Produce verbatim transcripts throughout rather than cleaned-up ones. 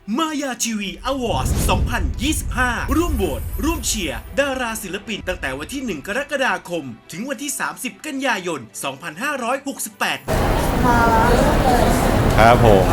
มายาทีวีอวอร์ดสองพันยี่สิบห้า ร่วมโหวตร่วมเชียร์ดาราศิลปินตั้งแต่วันที่ หนึ่ง กรกฎาคม ถึงวันที่ สามสิบ กันยายน สองพันห้าร้อยหกสิบแปดครับผม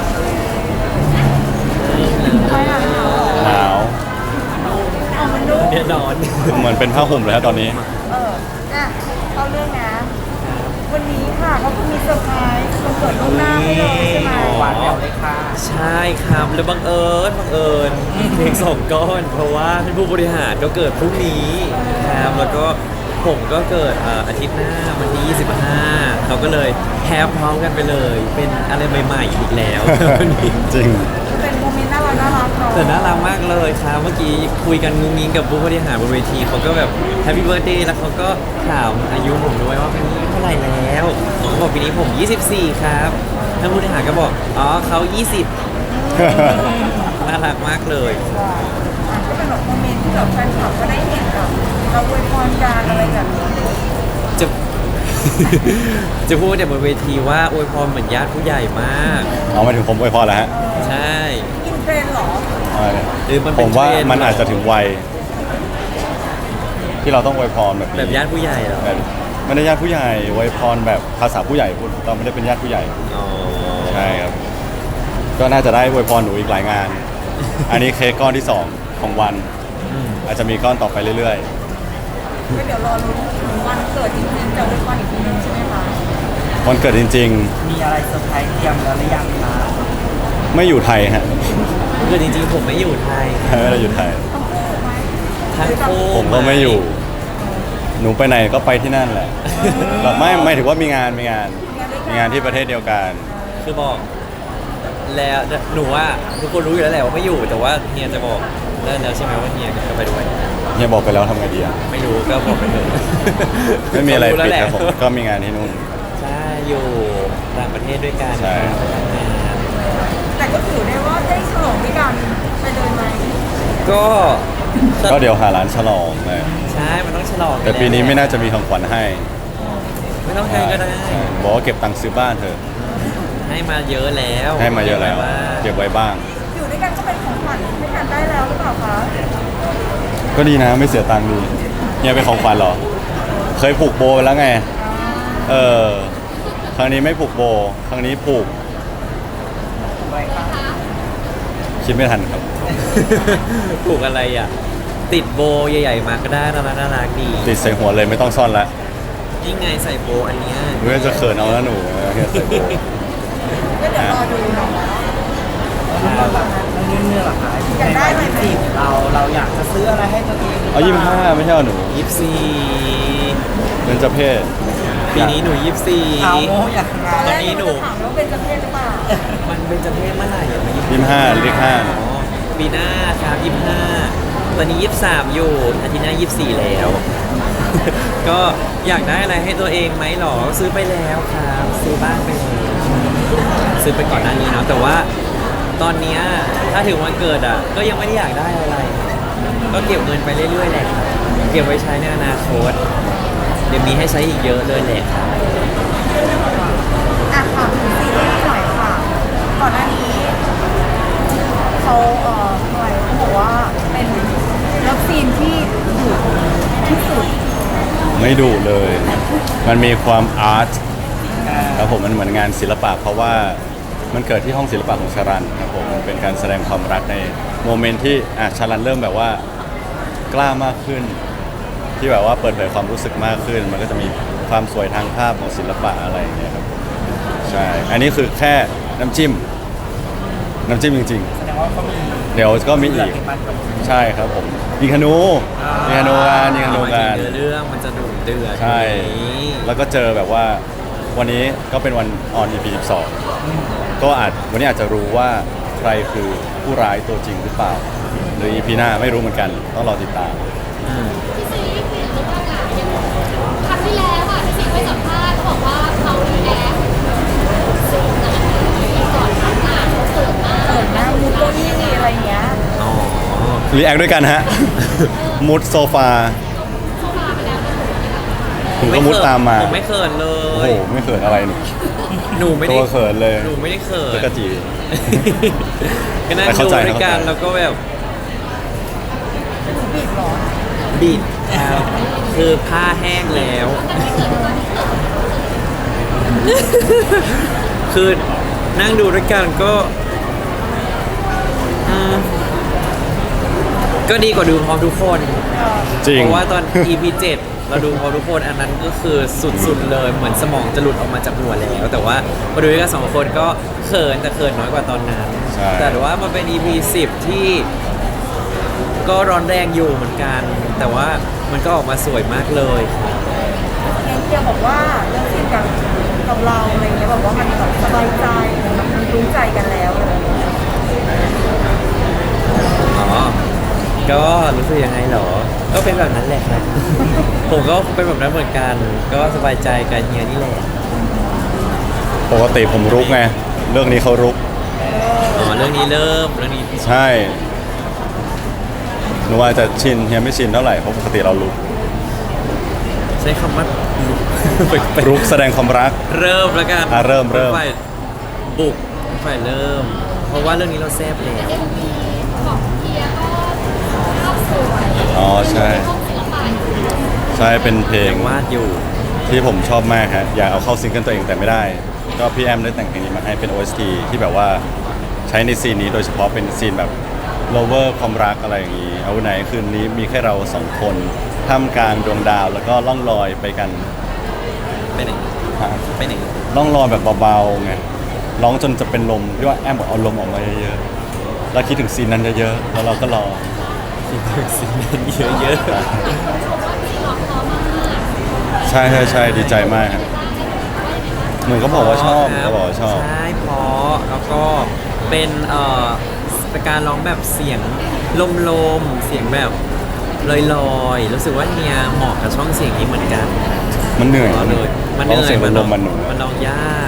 หนาวแน่นอนเหมือนเป็นผ้าห่มเลยครับตอนนี้เอออ่ะเข้าเรื่องนะ วันนี้ค่ะเขาก็มีเซอร์ไพรส์วันเกิดล่วงหน้าให้เลยใช่ไหมหวานแหววเลยค่ะ ใช่ครับแล้วบังเอิญบังเอิญเพลงสองก้อน เพราะว่าท่านผู้บริหารก็เกิดพรุ่งนี้ครับแล้วก็ผมก็เกิดเอ่ออาทิตย์หน้าวันที่ยี่สิบห้าเขาก็เลยแฮปพร้อมกันไปเลย เป็นอะไรใหม่ๆอีกแล้ววันนี้จริงเป็นโมเมนต์น่ารักน่ารักเนาะแต่น่ารักมากเลยครับเมื่อกี้คุยกันงุ้งงิ้งกับผู้บริหารบนเวทีเขาก็แบบแฮปปี้เบิร์ดเดย์แล้วเขาก็ถามอายุผมด้วยว่าปีนี้เท่าไหร่แล้วผมก็บอกปีนี้ผมยี่สิบสี่ครับท่านผู้บริหารก็บอกอ๋อเขายี่สิบ น่ารักมากเลยอ่ะก็เป็นแบบโมเมนต์ที่แบบแฟนคลับก็ได้เห็นแบบเราอวยพรกันอะไรแบบนี้จะ จะพูดแต่บนเวทีว่าอวยพรเหมือนญาติผู้ใหญ่มากเอามาถึงผมอวยพรแล้วฮะใช่อินเทรนด์เหรอเอาเลยหรือมันผเป็นมว่าเทรนด์มันอาจจะถึงวัยที่เราต้องอวยพรแบบนี้แบบญาติผู้ใหญ่เหรอแบบไม่ได้ญาติผู้ใหญ่อวยพรแบบภาษาผู้ใหญ่พูดเราไม่ได้เป็นญาติผู้ใหญ่อ๋อใช่ครับ ก็น่าจะได้อวยพรหนูอีกหลายงาน อันนี้เค้กก้อนที่สองของวันอืมอาจจะมีก้อนต่อไปเรื่อยก็เดี๋ยวรอลุ้นถึงวันเกิดจริงๆจะอวยพรอีกทีนึงใช่ไหมคะๆวันเกิดจริงมีอะไรเซอร์ไพรส์เตรียมแล้วหรือยังคะๆ ไม่อยู่ไทยฮะคือจริงๆผมไม่อยู่ไทยไม่ได้อยู่ไทยต้องพูดไหมทั้งคู่ผมก็ไม่อยู่ หนูไปไหนก็ไปที่นั่นแหละแบบไม่ไม่ถือว่ามีงานมีงาน มีงานที่ประเทศเดียวกันคือบอก แล้วหนูว่าทุกคนรู้อยู่แล้วแหละว่าไม่อยู่แต่ว่าเฮียจะบอกได้แล้วใช่ไหมว่าเฮียจะไปด้วยเฮียบอกไปแล้วทำไงดีอ่ะไม่รู้ก็บอกไปเถอะไม่มีอะไรเขาปิดแล้วแหละครับผมก็มีงานที่นู่นใช่อยู่ต่างประเทศด้วยกันใช่แต่ก็ถือได้ว่าได้ฉลองด้วยกันไปเลยไหมก็ก็เดี๋ยวหาร้านฉลองเลยใช่มันต้องฉลองแต่ปีนี้ไม่น่าจะมีของขวัญให้ไม่ต้องให้ก็ได้ใช่บอกว่าเก็บตังค์ซื้อบ้านเถอะให้มาเยอะแล้วให้มาเยอะแล้วว่าเก็บไว้บ้างอยู่ด้วยกันก็เป็นของขวัญให้กันได้แล้วหรือเปล่าคะก็ดีนะไม่เสียตังค์ดีเฮียเป็นของขวัญเหรอ เคยผูกโบไปแล้วไง เออ ครั้งนี้ไม่ผูกโบ ครั้งนี้ผูก คิดไม่ทันครับผูกอะไรอ่ะ ติดโบใหญ่ๆมาก็ได้น่ารักน่ารักดีติดใส่หัวเลยไม่ต้องซ่อนละยิ่งไงใส่โบอันเนี้ยเพื่อจะเขินเอาแล้วหนูเฮียใส่โบก็เดี๋ยวรอดูเนาะแล้วแบบเรื่องเนื้อหรอคะอยากได้ไหมจีบเราเราอยากจะซื้ออะไรให้ตัวเองเอายี่สิบห้าไม่ใช่เหรอหนูยี่สิบสี่เป็นเจ้าเพศปีนี้หนูยี่สิบสี่เอาโมอยากงาตอนนแรกตอนนี้หนูจะถามว่าเป็นจำเพศหรือเปล่ามันเป็นจำเพศเมื่อไหร่อะยี่สิบห้าเลขห้าอ๋อปีหน้าครับยี่สิบห้าตอนนี้ยี่สิบสามอยู่อาทิตย์หน้ายี่สิบสี่แล้ว ก็อยากได้อะไรให้ตัวเองไหมหรอซื้อไปแล้วครับซื้อบ้านไปแล้วซื้อไปก่อนหน้านี้เนาะแต่ว่าตอนเนี้ยถ้าถึงวันเกิดอ่ะ ก็ยังไม่ได้อยากได้อะไร ก็เก็บเงินไปเรื่อยๆแหละครับเก็บไว้ใช้ในอนาคตเดี๋ยวมีให้ใช้อีกเยอะเลยแหละครับอ่ะค่ะซีรีส์หน่อยค่ะ ก่อนหน้านี้เขาเอ่อหน่อยเขาบอกว่าเป็นเลิฟซีนที่ดุที่สุดไม่ดุเลย มันมีความอาร์ตครับผมมันเหมือนงานศิลปะ เพราะว่ามันเกิดที่ห้องศิลปะของชารันครับผมมันเป็นการแสดงความรักในโมเมนต์ที่อ่ะชารันเริ่มแบบว่ากล้ามากขึ้น ที่แบบว่าเปิดเผยความรู้สึกมากขึ้น มันก็จะมีความสวยทางภาพของศิลปะอะไรอย่างเงี้ยครับใช่อันนี้คือแค่น้ำจิ้ม น้ำจิ้มจริงแสดงว่าเขามีๆ เดี๋ยวก็มีอีกมันกับใช่ครับผมยิงธนูยิงธนูกันยิงธนูกันเนื้อเรื่องมันจะดุเดือดใช่อย่างนี้แล้วก็เจอแบบว่าวันนี้ก็เป็นวันออน อี พี สิบสองก็อาจวันนี้อาจจะรู้ว่าใครคือผู้ร้ายตัวจริงหรือเปล่า หรือ อี พี หน้าไม่รู้เหมือนกัน ต้องรอติดตามอืมพี่ซีเปลี่ยนลุคแล้วนะครั้งที่แล้วอ่ะพี่ซีไปสัมภาษณ์เขาบอกว่าเขารีแอคสูงนะก่อนทำงานเขาเสิร์ฟมากเปิดหน้ามูโก้ยี่อะไรเงี้ยอ๋อรีแอคด้วยกันฮะ มุดโซฟาเข้ามาไปแล้วนะผมก็มุดตามมาผมไม่เขินเลโอ้โหยไม่เขินอะไรหนูหนูไม่ได้ตัวเขินเลยหนูไม่ได้เขินแล้วก็จีก็นั่งแต่ดูเข้าใจด้วยกันเข้าใจแล้วก็แบบบีบเหรอบิดครับคือผ้าแห้งแล้ว คือนั่งดูด้วยกันก็อืมก็ดีกว่าดูพร้อมทุกคนจริงเพราะว่าตอน อี พี เจ็ดเราดูพร้อมทุกคนอันนั้นก็คือสุดๆเลยเหมือนสมองจะหลุดออกมาจากหัวแล้ว แต่ว่าพอดูด้วยกันสองคนก็เขินแต่เขินน้อยกว่าตอนนั้นใช่แต่ว่ามันเป็น อี พี สิบที่ก็ร้อนแรงอยู่เหมือนกัน แต่ว่ามันก็ออกมาสวยมากเลยครับเอ็นเทียบอกว่าเรื่องซีนกับกับเราอะไรเงี้ยบอกว่ามันแบบสบายใจมันรู้ใจกันแล้วอะไรอย่างเงี้ยอ๋อ ก็รู้สึกยังไงเหรอ ก็เป็นแบบนั้นแหละครับ ผมก็เป็นแบบนั้นเหมือนกัน ก็สบายใจกันเฮียนี่แหละปกติผมรุกไง เรื่องนี้เขารุกอ๋อ เรื่องนี้เริ่ม เรื่องนี้ใช่หนูว่าจะชินเฮียไม่ชินเท่าไหร่เพราะปกติเรารุกใช้คำว่า ไปรุกแสดงความรักเริ่มแล้วกันอ่ะเริ่มเริ่มฝ่ายบุกฝ่ายเริ่ม เพราะว่าเรื่องนี้เราแซ่บแล้วเอ็มวีของเทียก็ภาพสวยอ๋อใช่ห้องศิลปะอยู่ใช่เป็นเพลงยังวาดอยู่ที่ผมชอบมากฮะอยากเอาเข้าซิงเกิลตัวเองแต่ไม่ได้ ก็พี่แอมได้แต่งเพลงนี้มาให้เป็น โอ เอส ที ที่แบบว่าใช้ในซีนนี้โดยเฉพาะเป็นซีนแบบ lover ความรักอะไรอย่างนี้ เอาไหนคืนนี้มีแค่เราสองคนท่ามกลางดวงดาวแล้วก็ล่องลอยไปกันไปไหนฮะไปไหนล่องลอยแบบเบาๆไงร้องจนจะเป็นลมที่ว่าแอมบอกเอาลมออกมาเยอะๆแล้วคิดถึงซีนนั้นเยอะๆแล้วเราก็รอคิดถึงสิ่งนั้นเยอะชมว่าที่ร้องเพราะมากใช่ใช่ใช่ดีใจมากครับหนูก็บอกว่าชอบครัก็บอกว่าชอบใช่เพราะแล้วก็เป็นเอ่อเป็นการร้องแบบเสียงลมๆ เสียงแบบลอยๆ รู้สึกว่าเฮียเหมาะกับช่องเสียงนี้เหมือนกันมันเหนื่อยร้องเลยมันเหร้องนื่อเสียยงมันลร้องมมันหนูมันร้องยาก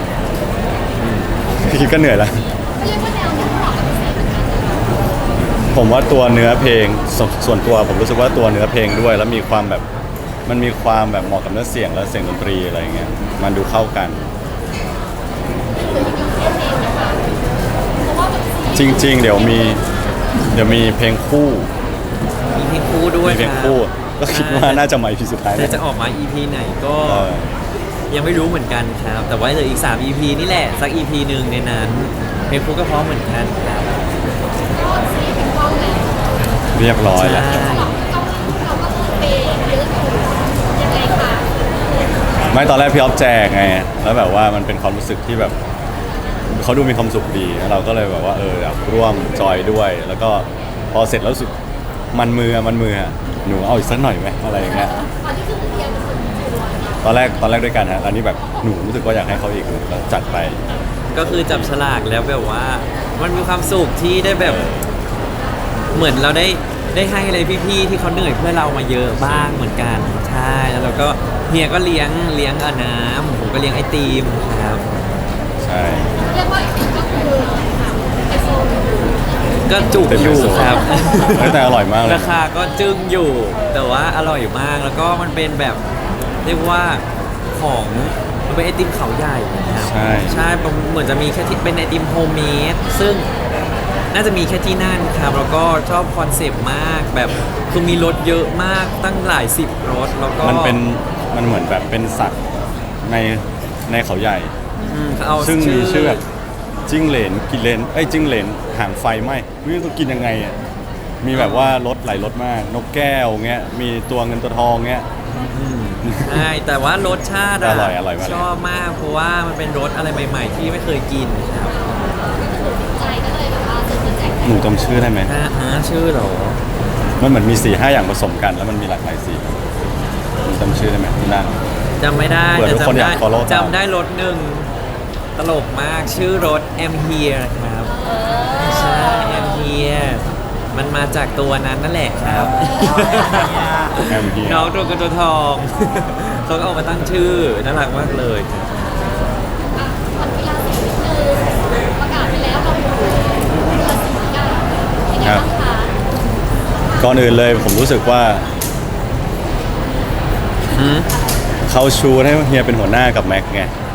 คิดก็เหนื่อยแล้วเรียกว่าแนวที่เหมาะกับพี่เหมือนกันนะคะผมว่าตัวเนื้อเพลงสส่วนตัวผมรู้สึกว่าตัวเนื้อเพลงด้วย แล้วมีความแบบมันมีความแบบเหมาะกับเนื้อเสียงและเสียงดนตรีอะไรอย่างเงี้ยมันดูเข้ากันหรือยังอยู่แค่เพลงนะคะเพราะว่าแบบจริง ๆ เดี๋ยวมีเดี๋ยวมีเพลงคู่มีเพลงคู่ด้วยมีเพลงคู่ ก็คิดว่าน่าจะมาอีพีสุดท้ายแต่นะจะออกมา อี พี ไหนก็เออยังไม่รู้เหมือนกันครับ แต่ว่าเหลืออีก สาม อี พี นี่แหละ สัก อี พี หนึ่งในนั้น เพลงคู่ก็พร้อมเหมือนกันครับก็ซีเป็นกล้องแล้วเรียบร้อยแล้วใช่กล้องเราก็คือเปย์เยอะอยู่ยังไงคะไม่ตอนแรกพี่ออฟแจกไง แล้วแบบว่ามันเป็นความรู้สึกที่แบบเขาดูมีความสุขดีแล้วเราก็เลยแบบว่าเอออยากร่วมจอยด้วย แล้วก็พอเสร็จแล้วรู้สึกมันมืออะมันมืออะหนูเอาอีกสักหน่อยไหมอะไรอย่างเงี้ยตอนที่คือเทียเป็นคนชวนตอนแรกตอนแรกด้วยกันฮะตอนนี้แบบหนูรู้สึกว่าอยากให้เขาอีกก็จัดไปก็คือจับฉลากแล้วแบบว่า มันมีความสุขที่ได้แบบเหมือนเราได้ได้ให้อะไรพี่ๆที่เขาเหนื่อยเพื่อเรามาเยอะบ้างเหมือนกันใช่แล้วเราก็เฮียก็เลี้ยงเลี้ยงอาน้ำผมก็เลี้ยงไอติมครับใช่เรียกว่าอีกทีก็คือไอโฟนก็จุกอยู่ครับเฮ้ยแต่อร่อยมากเลยราคาก็จึ้งอยู่ แต่ว่าอร่อยมากแล้วก็มันเป็นแบบเรียกว่าของมันเป็นไอติมเขาใหญ่นะครับใช่ใช่มันเหมือนจะมีแค่ที่เป็นไอติมโฮมเมดซึ่งน่าจะมีแค่ที่นั่นครับแล้วก็ชอบคอนเซปต์มากแบบคือมีรถเยอะมากตั้งหลายสิบรถแล้วก็มันเป็นมันเหมือนแบบเป็นสัตว์ในในเขาใหญ่อืมเขาเอาซึ่งมีชื่อแบบจิ้งเหลนกินเลนไอ้ยจิ้งเหลนหางไฟไหมไม่รู้ต้องกินยังไงอ่ะมีแบบว่ารสหลายรสมาก นกแก้วเงี้ยมีตัวเงินตัวทองเงี้ยอืมใช่แต่ว่ารสชาติะอร่อยอร่อยมากเลยชอบมากเพราะว่ามันเป็นรสอะไรใหม่ ๆ ที่ไม่เคยกินครับใจก็เลยแบบว่าซื้อมาแจกหนูจำชื่อได้ไหมฮะฮะชื่อเหรอมันเหมือนมีสี่ห้าอย่างผสมกันแล้วมันมีหลากหลายสีหนูจำชื่อได้ไหมที่นั่นจำไม่ได้เผื่อแต่ทุกคนจำอยาได้ก follow ตามจำได้รถหนึ่งตลกมากชื่อรถ I'm Here ครับใช่ I'm Here มันมาจากตัวนั้นนั่นแหละครับแอมเฮียน้องตัวกระตัวทอง เขาก็เอามาตั้งชื่อน่ารักมากเลยครับอ่ะขอกีฬาสีนิดนึงประกาศไปแล้วเราอยู่กีฬาสีกันเป็นไงบ้างคะก่อนอื่นเลยผมรู้สึกว่าอืมเขาชูให้เฮียเป็นหัวหน้ากับแม็กไง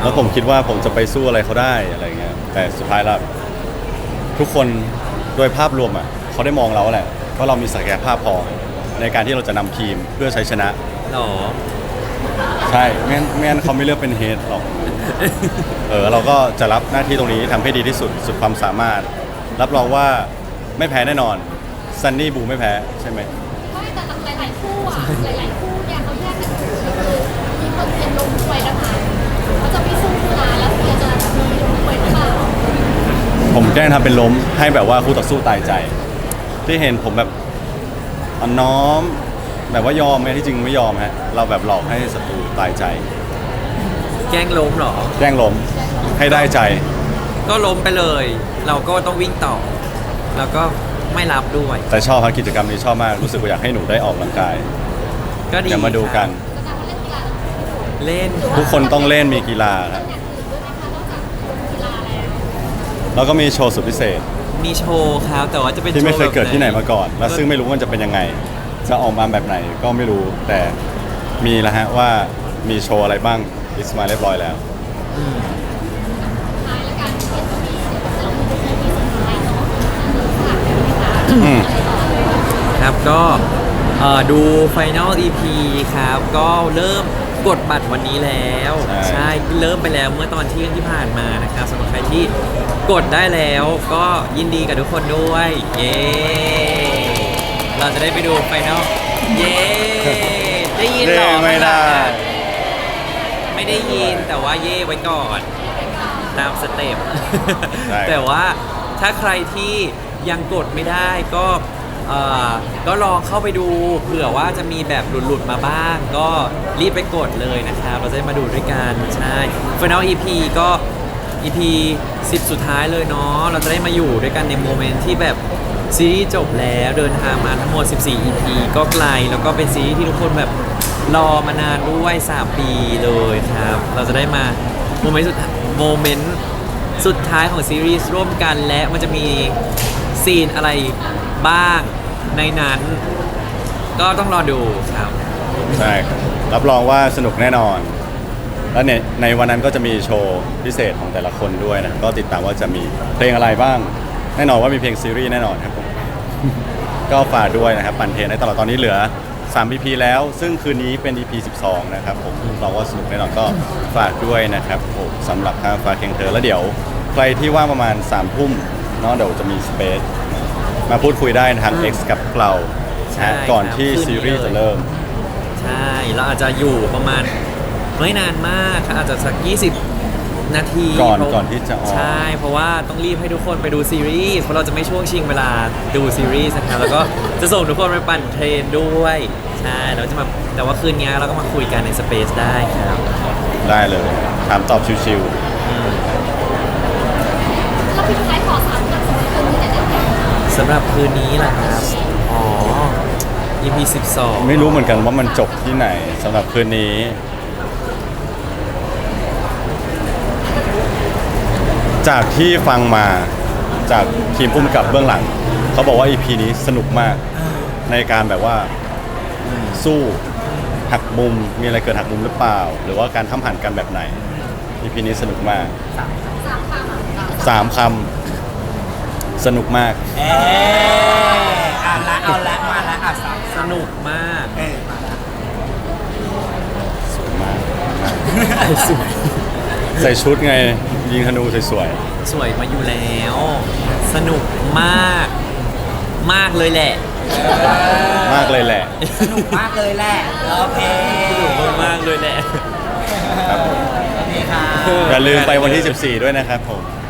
แล้วผมคิดว่าผมจะไปสู้อะไรเขาได้อะไรเงี้ยแต่สุดท้ายแล้วทุกคนโดยภาพรวมอ่ะเขาได้มองเราแหละว่าเรามีศักยภาพพอในการที่เราจะนำทีมเพื่อใช้ชนะหรอใช่ไม่งั้นไม่งั้นเขาไม่เลือกเป็นเฮดหรอกเออเราก็จะรับหน้าที่ตรงนี้ทำให้ดีที่สุดสุดความสามารถ รับรองว่าไม่แพ้แน่นอนซันนี่บูไม่แพ้ใช่ไหมไม่แต่หลายๆคู่อ่ะหลายๆคู่เนี่ยเขาแยกกันอยู่คือมีคนเทียนลงด้วยนะคะเขาจะไม่สู้นะแล้วเทียนจะมีลงด้วยหรือเปล่าผมแกล้งทำเป็นล้มให้แบบว่าคู่ต่อสู้ตายใจ ที่เห็นผมแบบอ่อนน้อม แบบว่ายอมไหมที่จริงไม่ยอมฮะเราแบบหลอกให้ศัตรูตายใจแกล้งล้มเหรอแกล้งล้มให้ได้ใจก็ล้มไปเลย เราก็ต้องวิ่งต่อ แล้วก็ไม่รับด้วยแต่ชอบครับกิจกรรมนี้ชอบมากรู้สึกว่าอยากให้หนูได้ออกกำลังกายก็ดีเดี๋ยวมาดูกันก็จะมาเล่นกีฬาเล่นทุกคนต้องเล่นมีกีฬาครับอย่างอื่นด้วยนะคะนอกจากกีฬาแล้วแล้วก็มีโชว์สุดพิเศษมีโชว์ครับแต่ว่าจะเป็นที่ไม่เคยเกิดที่ไหนมาก่อนแบและบซึ่งไม่รู้ว่ามันจะเป็นยังไง จะออกมาแบบไหนก็ไม่รู้แต่มีแล้วฮะว่ามีโชว์อะไรบ้างลิสต์มาเรียบร้อยแล้วอืมท้ายแล้วกันเห็นว่ามีเรามีเป็นที่สุดท้ายเนาะฝากได้ไหมคะอืมครับก็เอ่อดู Final อี พี ครับ ก็เริ่มกดบัตรวันนี้แล้วใช่ใช่เริ่มไปแล้วเมื่อตอนเที่ยงที่ผ่านมานะครับสำหรับใครที่กดได้แล้วก็ยินดีกับทุกคนด้วย เย้ เราจะได้ไปดู Final เย้ ได้ยินเหรอเย้ไม่ได้ไม่ได้ยินแต่ว่าเย่ไว้ก่อน ตามสเต็ปใช่แต่ว่าถ้าใครที่ยังกดไม่ได้ก็เอ่อก็ลองเข้าไปดูเผื่อว่าจะมีแบบหลุดๆมาบ้าง ก็รีบไปกดเลยนะครับ เราจะได้มาดูด้วยกัน ใช่ Final อี พี ก็ อี พี สิบ สุดท้ายเลยเนาะเราจะได้มาอยู่ด้วยกันในโมเมนต์ที่แบบซีรีส์จบแล้วเดินทางมาทั้งหมด สิบสี่ อี พี ก็ไกลแล้วก็เป็นซีรีส์ที่ทุกคนแบบรอมานานด้วยสามปีเลยครับ เราจะได้มาโมเมนต์สุดโมเมนต์สุดท้ายของซีรีส์ร่วมกันและมันจะมีซีนอะไรบ้างในนั้น ก็ต้องรอดูครับใช่ครับรับรองว่าสนุกแน่นอน แล้วเนี่ยในวันนั้นก็จะมีโชว์พิเศษของแต่ละคนด้วยนะก็ติดตามว่าจะมีเพลงอะไรบ้าง แน่นอนว่ามีเพลงซีรีส์แน่นอนครับผม ก็ฝากด้วยนะครับปั่นเทรนให้ตลอดตอนนี้เหลือสาม อี พี แล้ว ซึ่งคืนนี้เป็น อี พี สิบสอง นะครับผมเราว่าสนุกแน่นอนก็ฝากด้วยนะครับผมสำหรับทางฝากเคียงเธอแล้วเดี๋ยวใครที่ว่างประมาณสามทุ่มเนาะเดี๋ยวจะมีสเปซมาพูดคุยได้ทาง X กับเราใช่นะก่อนที่ครับซีรีส์คืนนี้เลยจะเริ่มใช่ เราอาจจะอยู่ประมาณไม่นานมากครับอาจจะสัก ยี่สิบ นาทีก่อนเพราะก่อนที่จะออกใช่ เพราะว่าต้องรีบให้ทุกคนไปดูซีรีส์เพราะเราจะไม่ช่วงชิงเวลาดูซีรีส์นะครับแล้วก็จะส่งทุกคนไปปั่นเทรนด้วยใช่เราจะมาแต่ว่าคืนนี้เราก็มาคุยกันในสเปซได้ครับได้เลยถามตอบชิวแล้วพี่ท้ายขอสามคำสำหรับคนที่จะได้แข่งสำหรับคืนนี้แหละครับ อ๋อ อี พี สิบสองๆไม่รู้เหมือนกันว่ามันจบที่ไหนสำหรับคืนนี้ จากที่ฟังมาจากทีมพุ่มกับเบื้องหลัง เขาบอกว่า อี พี นี้สนุกมากในการแบบว่าสู้หักมุมมีอะไรเกิดหักมุมหรือเปล่า หรือว่าการทำหันกันแบบไหน อี พี นี้สนุกมากสามคำสามคำสนุกมากเอออ่ะละเอาละมาละอ่ะสามสนุกมากเออมาละสวยมากใส่ชุดไงยิงธนูสวยสวยมาอยู่แล้ว สนุกมาก มากเลยแหละๆมากเลยแหละสนุกมากเลยแหละโอเคสนุกมากๆเลยแหละครับผมโอเคค่ะอย่าลืมไปวันที่ สิบสี่ ด้วยนะครับผม